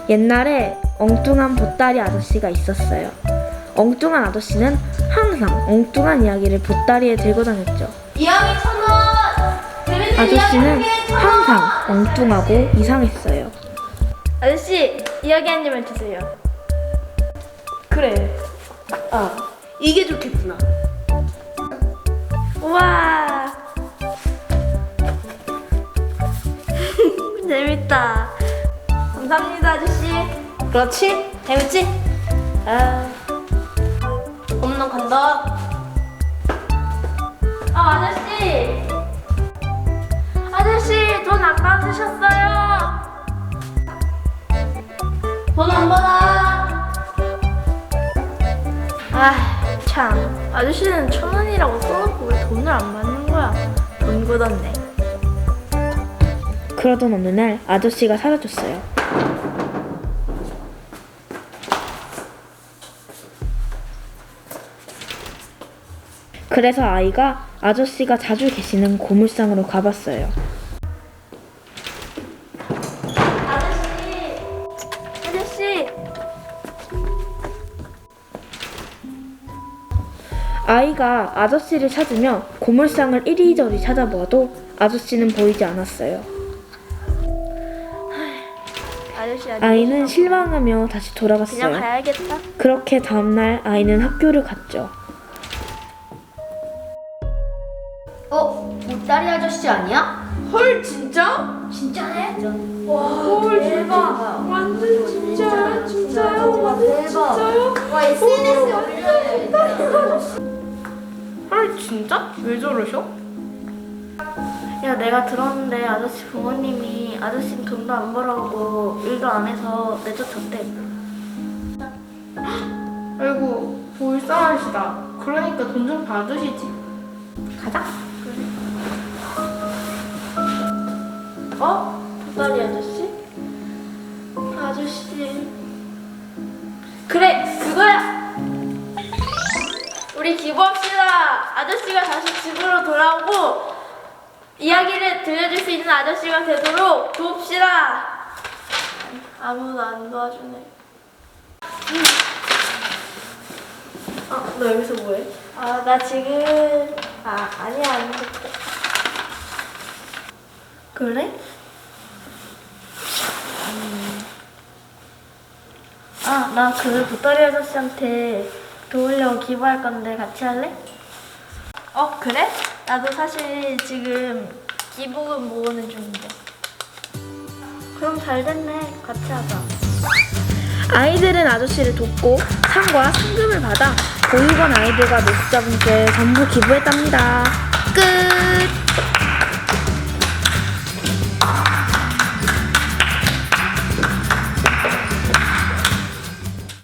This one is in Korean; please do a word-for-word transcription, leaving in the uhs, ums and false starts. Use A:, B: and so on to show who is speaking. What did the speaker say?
A: 옛날에 엉뚱한 보따리 아저씨가 있었어요. 엉뚱한 아저씨는 항상 엉뚱한 이야기를 보따리에 들고 다녔죠.
B: 이야기 천 원! 재밌는
A: 아저씨는
B: 이야기 천 원!
A: 항상 엉뚱하고 이상했어요.
B: 아저씨, 이야기 한 입만 주세요. 그래. 아, 이게 좋겠구나. 우와. 재밌다. 감사합니다, 아저씨. 그렇지? 재밌지? 아. 홈런 간다. 아, 아저씨. 아저씨, 돈 안 받으셨어요? 돈 안 받아. 아, 참. 아저씨는 천 원이라고 써놓고 왜 돈을 안 받는 거야? 돈 굳었네.
A: 그러던 어느 날 아저씨가 사라졌어요. 그래서 아이가 아저씨가 자주 계시는 고물상으로 가봤어요.
B: 아저씨. 아저씨.
A: 아이가 아저씨를 찾으며 고물상을 이리저리 찾아보아도 아저씨는 보이지 않았어요.
B: 아저씨, 아저씨.
A: 아이는 실망하며 다시
B: 그냥
A: 돌아갔어요.
B: 가야겠다.
A: 그렇게 다음날 아이는 학교를 갔죠.
B: 어? 보따리 아저씨 아니야?
C: 헐 진짜?
B: 진짜네?
C: 와, 헐 대박. 완전 진짜야? 진짜요? 완전 진짜요?
B: 와, 에스엔에스에 올려야겠다.
C: 헐 진짜? 왜 저러셔?
B: 야, 내가 들었는데 아저씨 부모님이 아저씨는 돈도 안 벌어오고 일도 안 해서 내쫓았대.
C: 아이고 불쌍하시다. 그러니까 돈 좀 받으시지.
B: 가자. 어? 보따리 아저씨? 아저씨. 그래, 그거야. 우리 기부합시다. 아저씨가 다시 집으로 돌아오고 이야기를 들려줄 수 있는 아저씨가 되도록 도웁시다. 아무도 안 도와주네. 아, 너 여기서 뭐해? 아, 나 지금 아, 아니야, 아니야. 그래? 음. 아, 나 그 보따리 아저씨한테 도우려고 기부할 건데 같이 할래? 어, 그래? 나도 사실 지금 기부금 모으는 중인데. 그럼 잘 됐네. 같이 하자.
A: 아이들은 아저씨를 돕고 상과 상금을 받아 보육원 아이들과 노숙자분께 전부 기부했답니다. 끝!